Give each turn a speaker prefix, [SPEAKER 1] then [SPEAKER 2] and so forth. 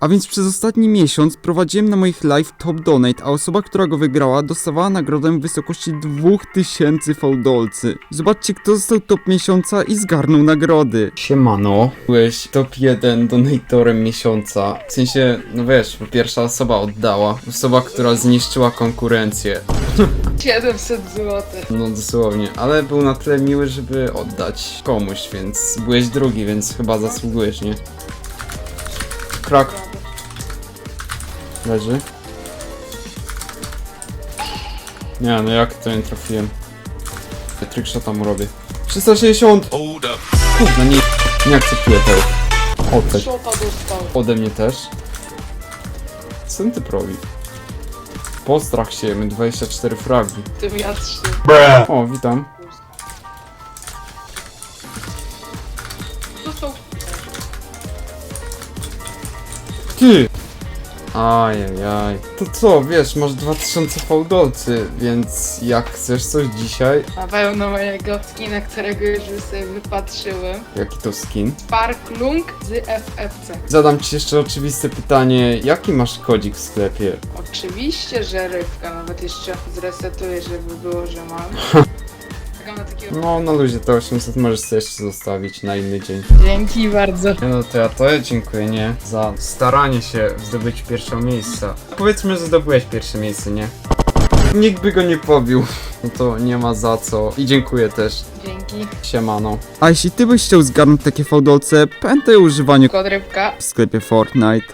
[SPEAKER 1] A więc przez ostatni miesiąc prowadziłem na moich live top donate, a osoba, która go wygrała, dostawała nagrodę w wysokości 2000 fałdolcy. Zobaczcie, kto został top miesiąca i zgarnął nagrody. Siemano. Byłeś top 1 donatorem miesiąca. W sensie, no wiesz, pierwsza osoba oddała. Osoba, która zniszczyła konkurencję.
[SPEAKER 2] 700 zł.
[SPEAKER 1] No dosłownie, ale był na tyle miły, żeby oddać komuś, więc byłeś drugi, więc chyba zasługujesz, nie? Krak. Leży. Nie, no jak to nie trafiłem? Trickshota mu robię. 360! Kurwa, nie akceptuję tego. Otek.
[SPEAKER 2] Szota dostał.
[SPEAKER 1] Ode mnie też. Co ten typ robi? Postrach się, my 24 fragi.
[SPEAKER 2] Tym ja 3.
[SPEAKER 1] O, witam.
[SPEAKER 2] Dostał.
[SPEAKER 1] Ty! Ajajaj. To co, wiesz, masz 2000 fałdolcy, więc jak chcesz coś dzisiaj...
[SPEAKER 2] Na pewno mojego skina, którego już sobie wypatrzyłem.
[SPEAKER 1] Jaki to skin?
[SPEAKER 2] Sparklung z FFC.
[SPEAKER 1] Zadam ci jeszcze oczywiste pytanie, jaki masz kodzik w sklepie?
[SPEAKER 2] Oczywiście, że rybka. Nawet jeszcze zresetuję, żeby było, że mam. Czekam na takiego...
[SPEAKER 1] No, na luzie to 800 możesz sobie jeszcze zostawić na inny dzień.
[SPEAKER 2] Dzięki bardzo.
[SPEAKER 1] No to ja dziękuję, nie? Za staranie się w zdobyciu pierwszego miejsca. Powiedzmy, że zdobyłeś pierwsze miejsce, nie? Nikt by go nie pobił. No to nie ma za co. I dziękuję też.
[SPEAKER 2] Dzięki.
[SPEAKER 1] Siemano. A jeśli ty byś chciał zgarnąć takie fałdolce, pamiętaj o używaniu
[SPEAKER 2] Kod rybka.
[SPEAKER 1] w sklepie Fortnite.